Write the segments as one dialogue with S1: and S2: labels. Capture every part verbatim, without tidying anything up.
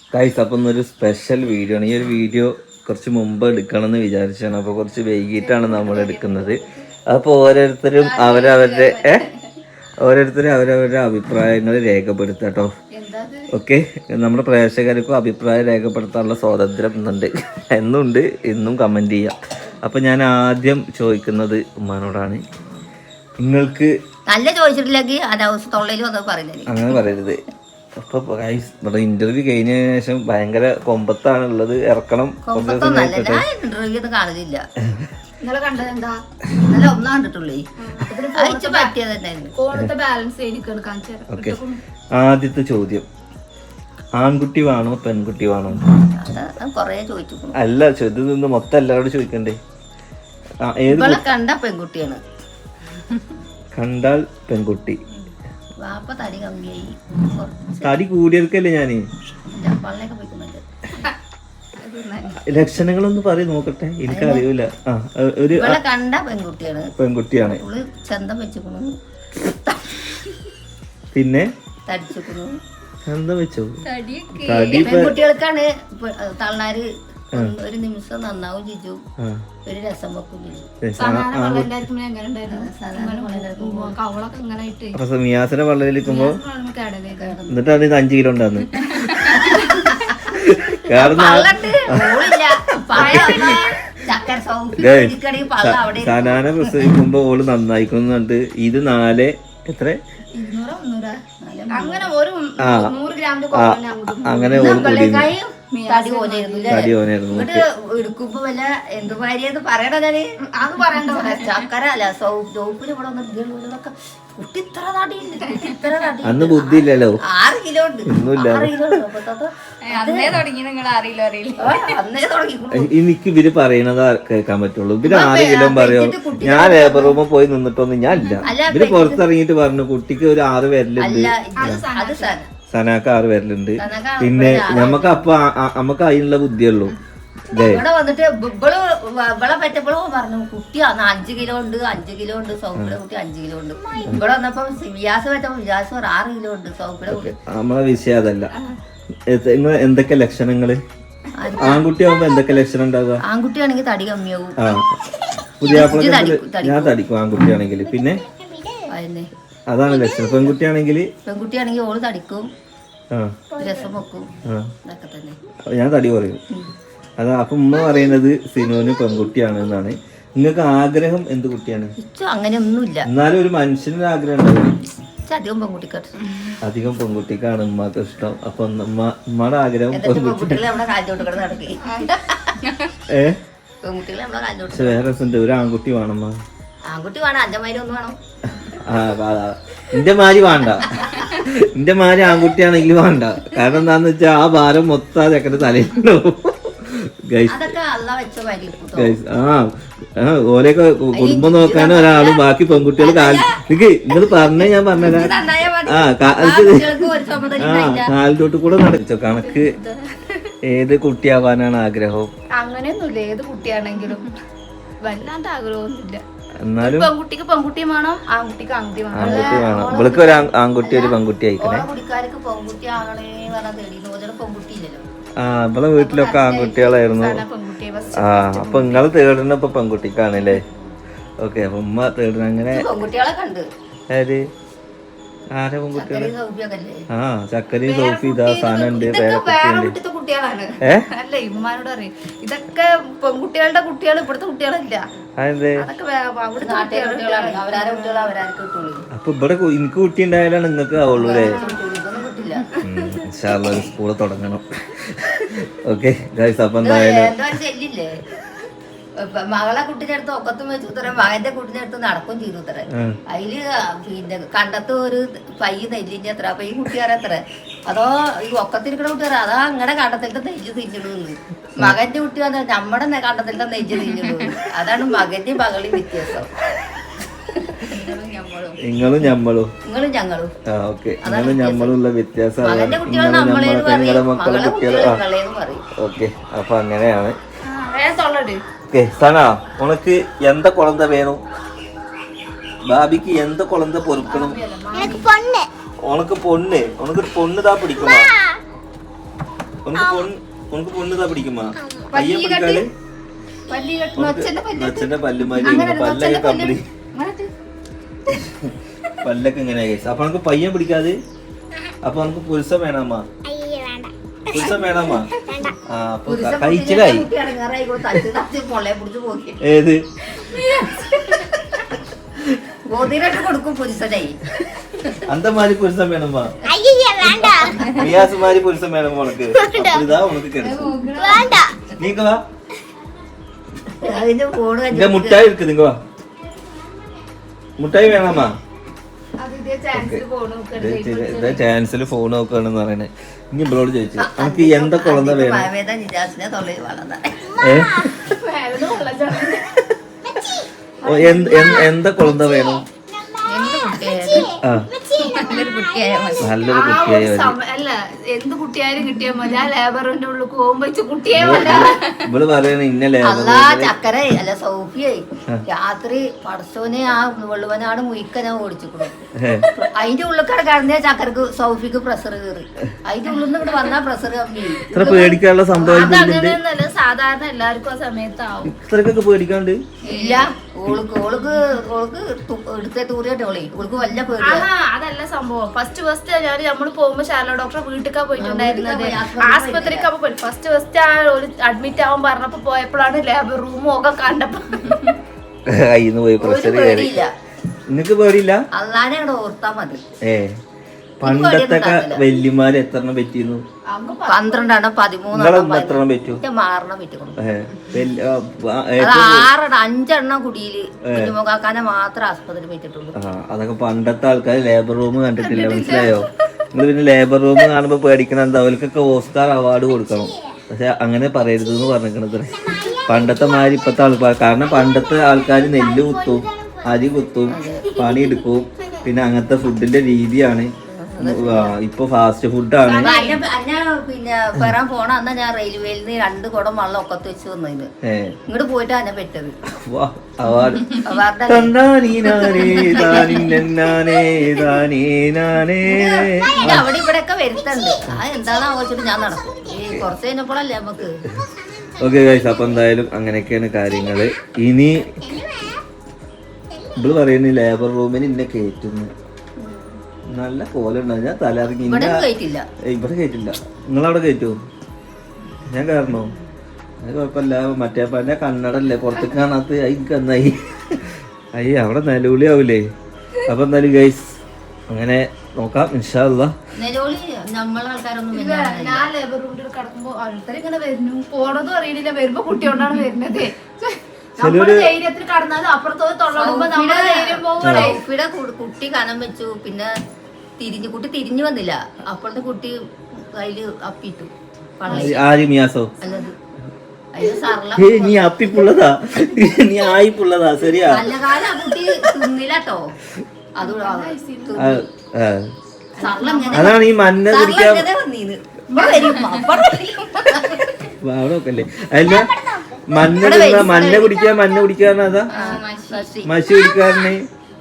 S1: Guys അപ്പം ഇന്നൊരു special video ആണ്. ഈ ഒരു വീഡിയോ കുറച്ച് മുമ്പ് എടുക്കണം എന്ന് വിചാരിച്ചാണ്. അപ്പോൾ കുറച്ച് വൈകിട്ടാണ് നമ്മൾ എടുക്കുന്നത്. അപ്പോൾ ഓരോരുത്തരും അവരവരുടെ ഏഹ് ഓരോരുത്തരും അവരവരുടെ അഭിപ്രായങ്ങൾ രേഖപ്പെടുത്തുക കേട്ടോ. ഓക്കെ, നമ്മുടെ പ്രേക്ഷകർക്കും അഭിപ്രായം രേഖപ്പെടുത്താനുള്ള സ്വാതന്ത്ര്യം ഇന്നുണ്ട്, എന്നുണ്ട്, ഇന്നും കമൻറ്റ് ചെയ്യാം. അപ്പം ഞാൻ ആദ്യം ചോദിക്കുന്നത് ഉമ്മാനോടാണ്. നിങ്ങൾക്ക്
S2: നല്ല ചോദിച്ചിട്ടില്ലെങ്കിൽ
S1: അങ്ങനെ പറയരുത്. അപ്പൊ ഇവിടെ ഇന്റർവ്യൂ കഴിഞ്ഞ ശേഷം ഭയങ്കര കൊമ്പത്താണ് ഉള്ളത്. ഇറക്കണം.
S2: ഇന്റർവ്യൂ കാണില്ല. ഇന്നലെ കണ്ടത് എന്താ? ഒന്നാ കണ്ടിട്ടുള്ളേ.
S1: ഓക്കെ, ആദ്യത്തെ ചോദ്യം, ആൺകുട്ടി വേണോ പെൺകുട്ടി വേണോ?
S2: കൊറേ ചോദിച്ചു.
S1: അല്ല, ചോദ്യം നിന്ന് മൊത്തം എല്ലാവരോടും ചോദിക്കണ്ടേ? ഏത്
S2: കണ്ട പെൺകുട്ടിയാണ്.
S1: കണ്ടാൽ പെൺകുട്ടി.
S2: തടി കമ്മിയായി,
S1: തടി കൂടിയെടുക്കല്ലേ ഞാന്. ലക്ഷണങ്ങളൊന്ന് പറയും നോക്കട്ടെ, എനിക്കറിയൂല. ആ, ഒരു
S2: കണ്ട പെൺകുട്ടിയാണ്.
S1: പെൺകുട്ടിയാണ്.
S2: ചന്തം വെച്ചുക്കണു,
S1: പിന്നെ
S2: തടിച്ചുക്കണു.
S1: ചന്തം വെച്ചോ?
S2: തടി പെൺകുട്ടികൾക്കാണ്. തള്ളാര് ഒരു നിമിഷം നന്നാവും ചിജു, ഒരു രസം വെക്കും ചിജു.
S1: മിയാസിനെ വള്ളയിലിരിക്കുമ്പോ എന്നിട്ടാണ് ഇത് അഞ്ചു കിലോ ഉണ്ടാന്ന്. സനാന പ്രസവിക്കുമ്പോ ഓള് നന്നായിക്കുന്നുണ്ട്. ഇത് നാല് എത്ര
S2: അങ്ങനെ ഒരു
S1: അങ്ങനെ ഓള് കൂടി
S2: തടി പോലെയായിരുന്നു. എടുക്കുമ്പോ വല്ല എന്ത് ഭാര്യ പറയണേ അത് പറയണ്ട. ചക്കര അല്ല സോപ്പിന് ഇവിടെ വന്നിട്ട് കുട്ടി ഇത്ര തടി, ഇത്ര തടി.
S1: അന്ന് ബുദ്ധി ഇല്ലല്ലോ.
S2: ആറ് കിലോ ഉണ്ട്.
S1: എനിക്ക് ഇവര് പറയണത് കേൾക്കാൻ പറ്റുള്ളൂ. ഇവര് ആറ് കിലോ പറയോ? ഞാൻ ലേബർ റൂമിൽ പോയി നിന്നിട്ടൊന്നും ഞാൻ ഇല്ല. ഇവര് പുറത്തിറങ്ങിയിട്ട് പറഞ്ഞു കുട്ടിക്ക് ഒരു ആറ് വരലുണ്ട്, സനാക്ക് ആറ് വരലുണ്ട്. പിന്നെ ഞമ്മക്ക് അപ്പൊ നമ്മക്ക് അതിനുള്ള ബുദ്ധിയുള്ളൂ.
S2: ഇവിടെ വന്നിട്ട് ഇവള് ഇവളെ പറ്റപ്പോഴും പറഞ്ഞു കുട്ടി അഞ്ചു കിലോ ഉണ്ട്, അഞ്ചു കിലോ ഉണ്ട്. സൗപ്പിയുടെ കുട്ടി അഞ്ചു കിലോ ഉണ്ട്. ഇവിടെ വന്നപ്പോ വിയാസ് പറ്റപ്പോ വിയാസ് ഒരു ആറ് കിലോ ഉണ്ട്. സൗപ്പിയുടെ കുട്ടി.
S1: നമ്മളെ വിഷയം അതല്ല. നിങ്ങൾ എന്തൊക്കെ ലക്ഷണങ്ങള്? ആൺകുട്ടി ആവുമ്പോ എന്തൊക്കെ ലക്ഷണം ഉണ്ടാവുക?
S2: ആൺകുട്ടിയാണെങ്കിൽ തടി കമ്മിയാവും.
S1: ആ, പുതിയ ഞാൻ തടിക്കും ആൺകുട്ടിയാണെങ്കിൽ. പിന്നെ അതാണ് ലക്ഷണം. പെൺകുട്ടിയാണെങ്കിൽ
S2: പെൺകുട്ടിയാണെങ്കിൽ ഓള് തടിക്കും, രസം വെക്കും, ഇതൊക്കെ തന്നെ.
S1: ഞാൻ തടി പറയും. അതാ അപ്പൊ ഉമ്മ പറയുന്നത് സിനുവിന് പെൺകുട്ടിയാണ് എന്നാണ്. നിങ്ങൾക്ക് ആഗ്രഹം എന്ത് കുട്ടിയാണ്?
S2: അങ്ങനെ ഒന്നുമില്ല.
S1: എന്നാലും ഒരു മനുഷ്യനൊരു ആഗ്രഹം ഉണ്ടാവും.
S2: അധികം പെൺകുട്ടിക്കാണ്.
S1: അധികം പെൺകുട്ടിക്കാണ് ഉമ്മക്ക് ഇഷ്ടം. അപ്പൊ ഉമ്മയുടെ ആഗ്രഹം ഏഹ് വേറെ രസമുണ്ട്. ഒരു ആൺകുട്ടി വേണം.
S2: ആൺകുട്ടി വേണം. അഞ്ചമാരി ഒന്ന് വേണം.
S1: എന്റെ മാരി വേണ്ട. എന്റെ മാരി ആൺകുട്ടിയാണെങ്കിൽ വേണ്ട. കാരണം എന്താന്ന് വെച്ചാ ആ ഭാരം മൊത്തം ചെക്കന്റെ തലയിലുണ്ടാവും. ആ ഓലൊക്കെ കുടുംബം നോക്കാനും ഒരാളും ബാക്കി പെൺകുട്ടികൾ കാൽ നിക്ക് നിങ്ങൾ പറഞ്ഞേ ഞാൻ പറഞ്ഞുതരാം. ആ കാലിലോട്ട് കൂടെ നടച്ചോ. കണക്ക് ഏത് കുട്ടിയാവാനാണ് ആഗ്രഹം?
S3: അങ്ങനെയൊന്നുമില്ല. ഏത് കുട്ടിയാണെങ്കിലും വല്ലാണ്ട് ആഗ്രഹമൊന്നുമില്ല.
S1: എന്നാലും
S3: പെൺകുട്ടിക്ക് പെൺകുട്ടി വേണം, ആൺകുട്ടിക്ക് ആൺകുട്ടി വേണം.
S1: ആൺകുട്ടി വേണം. ഇവൾക്ക് ഒരു ആൺകുട്ടി ഒരു പെൺകുട്ടി ആയിക്കണേ. ആ നമ്മളെ വീട്ടിലൊക്കെ ആൺകുട്ടികളായിരുന്നു. ആ അപ്പൊ നിങ്ങള് തേടുന്ന ഇപ്പൊ പെൺകുട്ടിക്കാണല്ലേ? ഓക്കെ, അപ്പൊ ഉമ്മ തേടുന്ന അങ്ങനെ ആര് ആരെ പെൺകുട്ടികള്? ആ ചക്കരയും സോഫി ഇതാ സാധനം ഉണ്ട്.
S3: കുട്ടികളാണ്. അല്ല ഇമ്മാനോട് പറയും ഇതൊക്കെ പെൺകുട്ടികളുടെ കുട്ടികൾ, ഇവിടുത്തെ കുട്ടികളല്ല.
S1: അപ്പൊ ഇവിടെ എനിക്ക് കുട്ടി ഉണ്ടായാലാണ് നിങ്ങൾക്ക് ആവുള്ളൂ അല്ലേ? സ്കൂള് തുടങ്ങണം. ഓക്കെ ഗൈസ്, അപ്പൊ എന്തായാലും
S2: മകളെ കുട്ടിനടുത്ത് ഒക്കത്തും വെച്ചു തരാം, മകന്റെ കുട്ടിനടുത്ത് നടക്കും ചെയ്തു തരാം. അതില് പിന്നെ കണ്ടത്ത് ഒരു പൈ നെല്ലിന്റെ അത്ര. അപ്പൊ ഈ കുട്ടിയാരത്ര അതോ ഈ ഒക്കത്തിരിക്കുന്ന കുട്ടിയാറ അതാ അങ്ങനെ കണ്ടത്തിലത്തെ നെയ്ജ് തിന്നിടുന്നു. മകന്റെ കുട്ടി വന്ന നമ്മുടെ കണ്ടത്തിലത്തെ നെയ്ജ് തിന്നിടുന്നു. അതാണ് മകന്റെ മകളിൽ വ്യത്യാസം.
S1: നിങ്ങളും ഞമ്മളും
S2: നിങ്ങളും ഞങ്ങളും
S1: നിങ്ങളും ഞമ്മളും ഉള്ള വ്യത്യാസം. ഓക്കെ, അപ്പൊ അങ്ങനെയാണ്. ഓക്കെ സന, ഉനക്ക് എന്ത കുഴന്ത വേണം? ബാബിക്ക് എന്ത കുഴന്ത പൊറുക്കണം? ഉനക്ക് പൊണ്ണ്. ഉനക്ക് പൊണ്ണ് താ പിടിക്കണോ? ഉനക്ക് പൊണ്ണ് ഉനക്ക് പൊണ്ണ് പിടിക്കുമാ പയ്യെ പിടിക്കാല്
S3: പല്ലി കെട്ടുന്ന ഒച്ചന്റെ പല്ല്
S1: അച്ഛന്റെ പല്ലുമാരി പല്ലൊക്കെ കമ്പനി പല്ലൊക്കെ ഇങ്ങനെ അപ്പൊ നമുക്ക് പയ്യൻ പിടിക്കാതെ അപ്പൊ നമുക്ക് പുരുഷം വേണമ്മ പുരുഷം വേണമ്മ ആ അപ്പൊ കഴിച്ചിലായി ഏത്
S2: കൊടുക്കും പുരുഷനായി
S1: അന്തമാരി പുരുഷം വേണമ്മ മിയാസുമാരി പുരുഷം വേണം ഉനക്ക് ഇതാ ഉനക്ക് കിടക്കും നീക്ക വാ
S2: അതിന്റെ ഫോണ്
S1: ഇല്ല മുട്ടായി ഇருக்கு നിങ്ങ വാ മുട്ടായി വേണമ്മ ചാൻസിൽ ഫോൺ നോക്കുകയാണെന്ന് പറയണേ ഇനി ഇവളോട് ചോദിച്ചു നമുക്ക് എന്താ കുളന്ത വേണം എന്താ കുളന്ത വേണം നല്ലൊരു കുട്ടിയായി
S3: അല്ല എന്ത് കുട്ടിയായാലും കിട്ടിയാൽ മതി ആ ലേബറിന്റെ ഉള്ളിൽ പോകുമ്പോ കുട്ടിയെ
S1: ഇവള് പറയണ ഇന്ന
S2: അല്ല ചക്കര അല്ല സൗഫിയായി രാത്രി പടച്ചോനെ ആ വെള്ളുവനാട് മുയിക്ക ഞാൻ ഓടിച്ചിക്കണു അതിന്റെ ഉള്ളിക്കട കടന്ന ചക്കരക്ക് സൗഫിക്ക് പ്രഷർ കയറി അതിന്റെ ഉള്ളിൽ നിന്ന് ഇവിടെ വന്നാ പ്രഷർ കമ്മി
S1: ഇത്ര പേടിക്കാനുള്ള സംഭവം
S3: അതങ്ങനെയൊന്നല്ല സാധാരണ എല്ലാവർക്കും ആ സമയത്താവും
S1: ഇത്രക്കൊക്കെ പേടിക്കാണ്ട്
S2: ഇല്ല ഓൾക്ക് ഓൾക്ക് ഓൾക്ക് എടുത്ത തൂറിയാട്ടോളെ ഓൾക്ക് വല്ല പേടി
S3: അതല്ല സംഭവം ഫസ്റ്റ് ഫസ്റ്റ് ഞാൻ നമ്മള് പോകുമ്പോ ശാല ഡോക്ടറെ വീട്ടിലേക്കാ പോയിട്ടുണ്ടായിരുന്നത് ആസ്പത്രിക്കാ പോയി ഫസ്റ്റ് ഫസ്റ്റ് ആ ഒരു അഡ്മിറ്റ് ആവാൻ പറഞ്ഞപ്പോ പോയപ്പോഴാണ് ലേബർ റൂമും ഒക്കെ കണ്ടപ്പോ
S1: കയ്യിന്ന് പോയി പ്രഷർ കയറി നിനക്ക് പേടിയില്ല
S2: അല്ലാതെ അവിടെ ഓർത്താ മതി
S1: ഏ പണ്ടത്തെ വല്യമാര് എത്രണ്ണം പറ്റിയിരുന്നു
S2: പന്ത്രണ്ടെണ്ണം പതിമൂന്നെണ്ണം
S1: എത്രണ്ണം പറ്റൂ
S2: മാറണം പറ്റിക്കണം
S1: ആ
S2: ആറെണ്ണം അഞ്ചെണ്ണം കുടിയില് കുഞ്ഞുമുഖാക്കാനെ മാത്രം ആസ്പത്രി പറ്റിട്ടുള്ളൂ
S1: അതൊക്കെ പണ്ടത്തെ ആൾക്കാർ ലേബർ റൂം കണ്ടിട്ടില്ല മനസ്സിലായോ നിങ്ങൾ പിന്നെ ലേബർ റൂം കാണുമ്പോ പേടിക്കണം എന്താ അവർക്കൊക്കെ ഓസ്കാർ അവാർഡ് കൊടുക്കണം പക്ഷെ അങ്ങനെ പറയരുത് എന്ന് പറഞ്ഞിരിക്കണത് പണ്ടത്തെ മാതിരി ഇപ്പത്തെ ആൾക്കാർ കാരണം പണ്ടത്തെ ആൾക്കാർ നെല്ല് കുത്തും അരി കുത്തും പണിയെടുക്കും പിന്നെ അങ്ങനത്തെ ഫുഡിന്റെ രീതിയാണ് ഇപ്പൊ ഫാസ്റ്റ് ഫുഡാണ്
S2: പിന്നെ വരാൻ പോണ അന്നാ ഞാൻ റെയിൽവേയിൽ നിന്ന് രണ്ട് കുടം വെള്ളം ഒക്കത്ത് വെച്ച് വന്നതിന് ഇങ്ങോട്ട് പോയിട്ട് അന്നെ പെട്ടത് അവിടെ ഇവിടെ ഒക്കെ വരുത്തുണ്ട് ആ എന്താന്ന് ആഘോഷിച്ചിട്ട് ഞാൻ നടക്കും കുറച്ച് കഴിഞ്ഞപ്പോഴല്ലേ നമുക്ക്
S1: ഓക്കെ ഗൈസ് അപ്പൊ എന്തായാലും അങ്ങനെയൊക്കെയാണ് കാര്യങ്ങള് ഇനി ഇവള് പറയുന്ന ലേബർ റൂമിന് ഇന്നെ കേറ്റുന്നു നല്ല കോലുണ്ടാവും ഞാൻ തലയിറങ്ങി ഇവിടെ കയറ്റില്ല നിങ്ങളവിടെ കയറ്റുമോ ഞാൻ കയറണോ അത് കുഴപ്പമില്ല മറ്റേ പന്റെ കണ്ണടല്ലേ പുറത്തേക്ക് കാണാത്ത എനിക്ക് എന്നായി അയ്യ അവിടെ നിലവിളി ആവൂലേ അപ്പൊ എന്തായാലും ഗൈസ് അങ്ങനെ നോക്കാം ഇൻഷാ അല്ലാഹ്
S3: ഞാൻ ലേബർ റൂമിൽ കിടക്കുമ്പോ ആൾക്കാർ ഇങ്ങനെ വരുന്നു പോണതും അറിയണില്ല വരുമ്പോ കുട്ടിയോണ്ടാണ് വരുന്നത് ധൈര്യത്തിൽ കടന്നാലും അപ്പുറത്തോട് തൊള്ളടുമ്പോ നമ്മുടെ ധൈര്യം പോകും
S2: കുട്ടി കനം വെച്ചു പിന്നെ തിരിഞ്ഞു കുട്ടി തിരിഞ്ഞു വന്നില്ല അപ്പോഴത്തെ കുട്ടി കയ്യില് അപ്പിട്ടു
S1: നീ അപ്പിപ്പുള്ളതാ നീ ആയിപ്പുള്ളതാ ശരിയാ
S2: നല്ല കാലം കുട്ടി തിന്നില്ലട്ടോ അത്
S1: അതാണ് ഈ മഞ്ഞ കുടിക്കാൻ അല്ല മഞ്ഞ മഞ്ഞ കുടിക്കാൻ മഞ്ഞ കുടിക്കാരൻ അതാ മഷി കുടിക്കാരനെ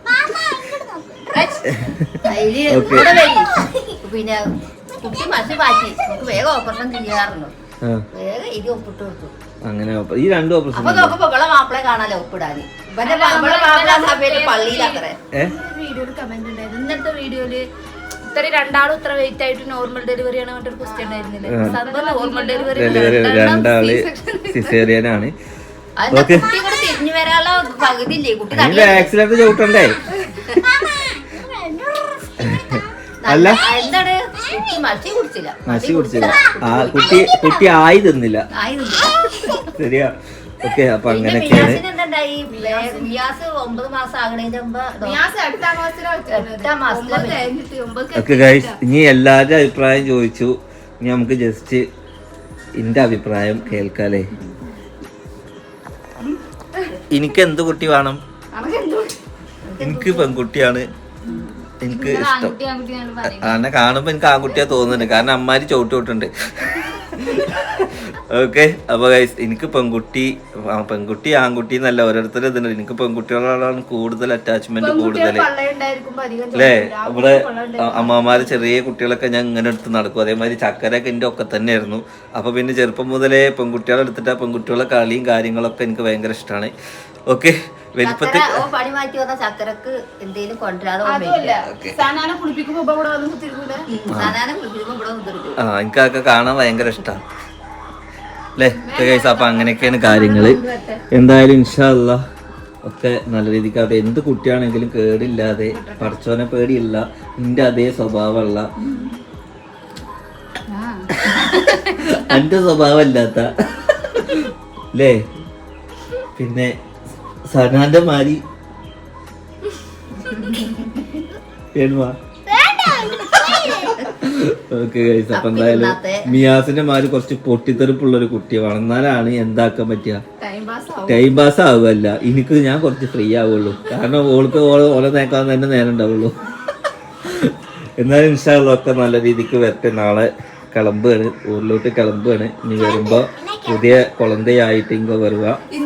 S2: പിന്നെ കുട്ടി മഷി മാറ്റി നമുക്ക് വേഗം ഓപ്പറേഷൻ ചെയ്യാറുണ്ട് വേഗം ഇത് ഒപ്പിട്ട് കൊടുത്തു
S1: അങ്ങനെ ഈ രണ്ടു ഓപ്പറേഷൻ
S2: അപ്പൊ നോക്കുമ്പോ ഇവിടെ മാപ്പിളെ കാണാലോ ഒപ്പിടാന് ഇവിടെ മാപ്പിള സഭയില് പള്ളിയിലത്രേ
S3: വീഡിയോയിൽ കമന്റ് ഉണ്ടായിരുന്നു ഇന്നത്തെ വീഡിയോയില് ഇത്ര രണ്ടാളും ഇത്ര വെയിറ്റ് ആയിട്ട് നോർമൽ ഡെലിവറി ആണ് പറഞ്ഞിട്ട് ക്വസ്റ്റ്യൻ ഉണ്ടായിരുന്നില്ലേ നോർമൽ ഡെലിവറി
S1: രണ്ടാള് സിസേറിയനാണ്
S2: തിരിഞ്ഞു വരാനുള്ള പകുതി ഇല്ലേ കുട്ടി
S1: ആക്സിഡന്റ് ചവിട്ടണ്ടേ അല്ല
S2: എന്താണ് കുട്ടി മഷി കുടിച്ചില്ല
S1: മഷി കുടിച്ചില്ല ആ കുട്ടി കുട്ടി ആയി തിന്നില്ല ശരിയാ ഓക്കെ അപ്പൊ അങ്ങനെയൊക്കെയാണ്
S2: ഒമ്പത് മാസം ആകണേന്റെ
S1: ഓക്കെ ഗൈസ് ഇനി എല്ലാവരുടെ അഭിപ്രായം ചോദിച്ചു ഇനി നമുക്ക് ജസ്റ്റ് എന്റെ അഭിപ്രായം കേൾക്കാലേ എനിക്ക് എന്ത് കുട്ടി വേണം എനിക്ക് പെൺകുട്ടിയാണ് എനിക്ക് ഇഷ്ടം എന്നെ കാണുമ്പോ എനിക്ക് ആൺകുട്ടിയാ തോന്നുന്നുണ്ട് കാരണം അമ്മാര് ചവിട്ടി വിട്ടുണ്ട് ഓക്കെ അപ്പോൾ ഗൈസ് എനിക്ക് പെൺകുട്ടി പെൺകുട്ടി ആൺകുട്ടി എന്നല്ല ഓരോരുത്തരും ഇതുണ്ട്. എനിക്ക് പെൺകുട്ടികളോടാണ് കൂടുതൽ അറ്റാച്ച്മെന്റ് കൂടുതൽ അല്ലേ. ഇവിടെ അമ്മമാര് ചെറിയ കുട്ടികളൊക്കെ ഞാൻ ഇങ്ങനെ എടുത്ത് നടക്കും. അതേമാതിരി ചക്കരൊക്കെ എൻ്റെ ഒക്കെ തന്നെയായിരുന്നു. അപ്പൊ പിന്നെ ചെറുപ്പം മുതലേ പെൺകുട്ടികളെ എടുത്തിട്ട് ആ പെൺകുട്ടികളെ കളിയും കാര്യങ്ങളൊക്കെ എനിക്ക് ഭയങ്കര ഇഷ്ടമാണ്. ഓക്കെ വലിപ്പത്തിൽ
S2: പണി മാറ്റി വന്ന ചക്കരക്ക് എന്തെങ്കിലും കൊണ്ടുവരാതെ
S1: ആ എനിക്ക് അതൊക്കെ കാണാൻ ഭയങ്കര ഇഷ്ടമാണ് അല്ലേ ഗൈസ്. അപ്പൊ അങ്ങനെയൊക്കെയാണ് കാര്യങ്ങള്. എന്തായാലും ഇൻഷാ അല്ലാഹ് ഒക്കെ നല്ല രീതിക്ക് അത് എന്ത് കുട്ടിയാണെങ്കിലും കേടില്ലാതെ പഠിച്ചോനെ പേടിയില്ല, നിന്റെ അതേ സ്വഭാവമുള്ള എന്റെ സ്വഭാവമല്ലാത്ത അല്ലേ. പിന്നെ സനാന്റെ മാരി ഓക്കെ ഗൈസ്. അപ്പൊ എന്തായാലും മിയാസിന്റെ മാര് കുറച്ച് പൊട്ടിത്തെറിപ്പുള്ള ഒരു കുട്ടി വളർന്നാലാണ് എന്താക്കാൻ പറ്റുക, ടൈം പാസ് ആവുകയല്ല. എനിക്ക് ഞാൻ കുറച്ച് ഫ്രീ ആവുള്ളൂ, കാരണം ഓൾക്ക് ഓളെ നേക്കാൻ തന്നെ നേരം ഉണ്ടാവുള്ളൂ. എന്നാലും ഇൻഷാ അല്ലാഹ് ഒക്കെ നല്ല രീതിക്ക് വരട്ടെ. നാളെ കിളമ്പാണ്, ഊരിലോട്ട് കിളമ്പാണ്. ഇനി വരുമ്പോ പുതിയ കുളന്തയായിട്ട് ഇങ്ങ വരുക.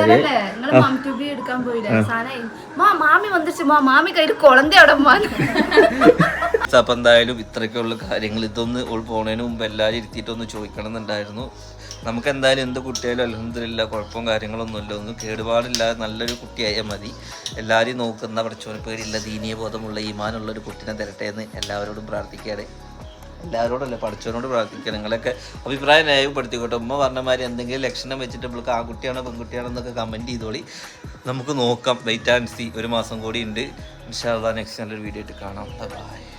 S1: അപ്പൊ എന്തായാലും ഇത്രയൊക്കെയുള്ള കാര്യങ്ങൾ. ഇതൊന്ന് ഓൾ പോണതിന് മുമ്പ് എല്ലാവരും ഇരുത്തിയിട്ടൊന്ന് ചോദിക്കണം എന്നുണ്ടായിരുന്നു. നമുക്ക് എന്തായാലും എന്ത് കുട്ടിയായാലും അൽഹംദുലില്ലാ കുഴപ്പവും കാര്യങ്ങളൊന്നുമില്ല, ഒന്നും കേടുപാടില്ലാതെ നല്ലൊരു കുട്ടിയായാൽ മതി. എല്ലാവരും നോക്കുന്ന പഠിച്ചോന് പേടില്ല, ദീനീയ ബോധമുള്ള ഈമാനുള്ള ഒരു കുട്ടീനെ തരട്ടെ എന്ന് എല്ലാവരോടും പ്രാർത്ഥിക്കുകയാണ്. എല്ലാവരോടല്ല പഠിച്ചവനോട് പ്രാർത്ഥിക്കുക. നിങ്ങളൊക്കെ അഭിപ്രായം ന്യായപ്പെടുത്തിക്കോട്ടെ. ഉമ്മ പറഞ്ഞമാതിരി എന്തെങ്കിലും ലക്ഷണം വെച്ചിട്ട് നമ്മൾക്ക് ആൺകുട്ടിയാണോ പെൺകുട്ടിയാണോ എന്നൊക്കെ കമൻറ്റ് ചെയ്തോളി. നമുക്ക് നോക്കാം, വെയിറ്റ് ആൻഡ് സീ. ഒരു മാസം കൂടി ഉണ്ട്. ഇൻഷാ അല്ലാഹ് നെക്സ്റ്റ് നല്ലൊരു വീഡിയോ ആയിട്ട് കാണാം. ബൈ.